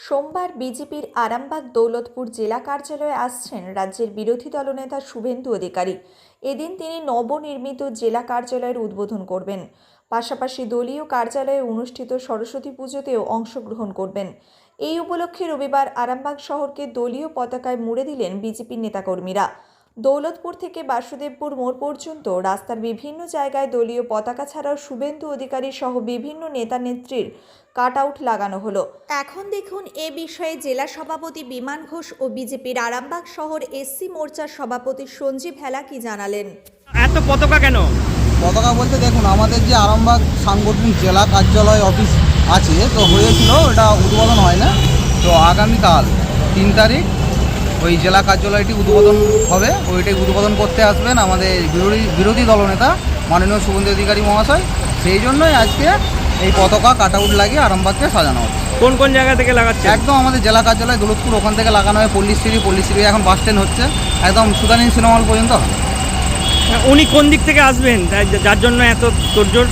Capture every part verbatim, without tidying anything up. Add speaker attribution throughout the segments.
Speaker 1: সোমবার বিজেপির আরামবাগ দৌলতপুর জেলা কার্যালয়ে আসছেন রাজ্যের বিরোধী দলনেতা শুভেন্দু অধিকারী। এদিন তিনি নবনির্মিত জেলা কার্যালয়ের উদ্বোধন করবেন। পাশাপাশি দলীয় কার্যালয়ে অনুষ্ঠিত সরস্বতী পুজোতেও অংশগ্রহণ করবেন। এই উপলক্ষে রবিবার আরামবাগ শহরকে দলীয় পতাকায় মুড়ে দিলেন বিজেপির নেতাকর্মীরা। দৌলতপুর থেকে বাসুদেবপুর মোড় পর্যন্ত রাস্তার বিভিন্ন জায়গায় দলীয় পতাকা ছাড়াও শুভেন্দু অধিকারী সহ বিভিন্ন নেতা নেত্রীর কাট আউট লাগানো হলো। এখন দেখুন এ বিষয়ে জেলা সভাপতি বিমান ঘোষ ও বিজেপির আরামবাগ শহর এসসি মোর্চার সভাপতি সঞ্জীব হেলা কি জানালেন।
Speaker 2: এত পতাকা কেন?
Speaker 3: পতাকা বলতে দেখুন, আমাদের যে আরামবাগ সাংগঠনিক জেলা কার্যালয় অফিস আছে, তো হয়েছিল, ওটা উদ্বোধন হয় না। তো আগামীকাল তিন তারিখ ওই জেলা কার্যালয়টি উদ্বোধন হবে। ওইটাই উদ্বোধন করতে আসবেন আমাদের বিরোধী বিরোধী দলনেতা মাননীয় শুভেন্দু অধিকারী মহাশয়। সেই জন্যই আজকে এই পতাকা কাট আউট লাগিয়ে আরামবাগকে সাজানো হচ্ছে।
Speaker 2: কোন কোন জায়গা থেকে লাগাচ্ছে?
Speaker 3: একদম আমাদের জেলা কার্যালয় দৌলতপুর, ওখান থেকে লাগানো হয় পল্লীশ্রী, পল্লীশ্রী এখন বাস স্ট্যান্ড হচ্ছে, একদম সুদানি সিনেমা হল পর্যন্ত হবে।
Speaker 2: উনি কোন দিক থেকে আসবেন যার জন্য এত তোড়জোড়?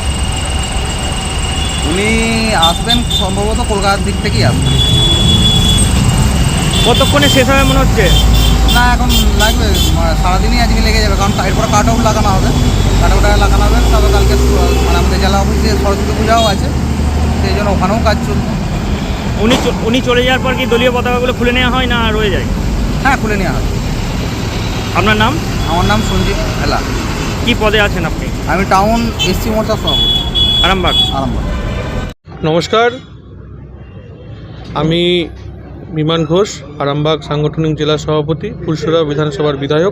Speaker 3: উনি আসবেন সম্ভবত কলকাতার দিক থেকেই আসবেন।
Speaker 2: কতক্ষণে শেষ হবে মনে হচ্ছে?
Speaker 3: না, এখন লাগবে, সারাদিনই আজকে লেগে যাবে, কারণ এরপরে কাট আউট লাগানো হবে। কাট আউট লাগানো হবে, তবে কালকে মানে আমাদের জেলা অফিসে সরস্বতী পূজাও আছে, সেই জন্য ওখানেও কাজ চলছে।
Speaker 2: উনি উনি চলে যাওয়ার পর কি দলীয় পতাকাগুলো খুলে নেওয়া হয় না রয়ে যায়?
Speaker 3: হ্যাঁ, খুলে নেওয়া হয়।
Speaker 2: আপনার নাম?
Speaker 3: আমার নাম সঞ্জীব হেলা।
Speaker 2: কি পদে আছেন আপনি?
Speaker 3: আমি টাউন এসসি মোর্চার সভাপতি,
Speaker 2: আরামবাগ।
Speaker 3: আরামবাগ।
Speaker 4: নমস্কার, আমি বিমান ঘোষ, আরামবাগ সাংগঠনিক জেলা সভাপতি, ফুলসুরা বিধানসভার বিধায়ক।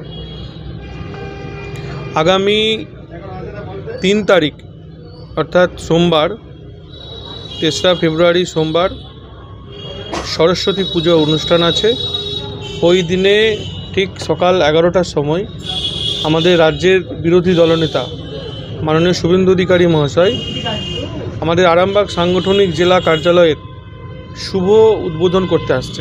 Speaker 4: আগামী তিন তারিখ অর্থাৎ সোমবার, তেসরা ফেব্রুয়ারি সোমবার সরস্বতী পুজো অনুষ্ঠান আছে। ওই দিনে ঠিক সকাল এগারোটার সময় আমাদের রাজ্যের বিরোধী দলনেতা মাননীয় শুভেন্দু অধিকারী মহাশয় আমাদের আরামবাগ সাংগঠনিক জেলা কার্যালয়ের শুভ উদ্বোধন করতে আসছে।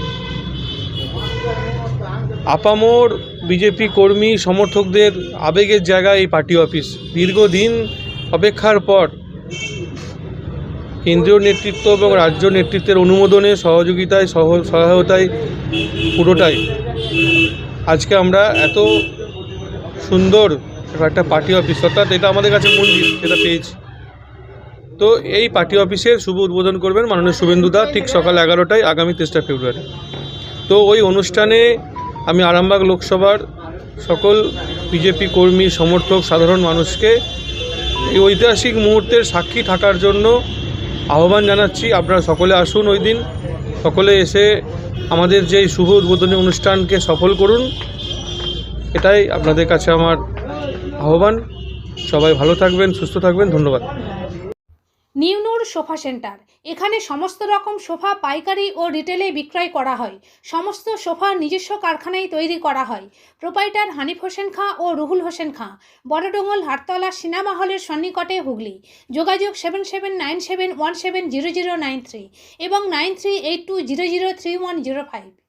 Speaker 4: আপামর বিজেপি কর্মী সমর্থকদের আবেগের জায়গায় এই পার্টি অফিস। দীর্ঘদিন অপেক্ষার পর কেন্দ্রীয় নেতৃত্ব এবং রাজ্য নেতৃত্বের অনুমোদনে, সহযোগিতায়, সহ সহায়তায় পুরোটাই আজকে আমরা এত সুন্দর একটা পার্টি অফিস, অর্থাৎ এটা আমাদের কাছে মন্দির, সেটা পেয়েছি। তো এই পার্টি অফিসের শুভ উদ্বোধন করবেন মাননীয় শুভেন্দুদা ঠিক সকাল এগারোটায় আগামী তেসরা ফেব্রুয়ারি। তো ওই অনুষ্ঠানে আমি আরামবাগ লোকসভার সকল বিজেপি কর্মী, সমর্থক, সাধারণ মানুষকে এই ঐতিহাসিক মুহূর্তের সাক্ষী থাকার জন্য আহ্বান জানাচ্ছি। আপনারা সকলে আসুন, ওই দিন সকলে এসে আমাদের যে শুভ উদ্বোধনী অনুষ্ঠানকে সফল করুন, এটাই আপনাদের কাছে আমার আহ্বান। সবাই ভালো থাকবেন, সুস্থ থাকবেন, ধন্যবাদ।
Speaker 5: নিউনুর সোফা সেন্টার, এখানে সমস্ত রকম সোফা পাইকারি ও রিটেলে বিক্রয় করা হয়। সমস্ত সোফা নিজস্ব কারখানায় তৈরি করা হয়। প্রোপাইটার হানিফ হোসেন খাঁ ও রুহুল হোসেন খাঁ, বড়ডোঙ্গল হাটতলা সিনেমা হলের সন্নিকটে, হুগলি। যোগাযোগ seven seven nine seven one seven zero zero nine three এবং nine three eight two zero zero three one zero five.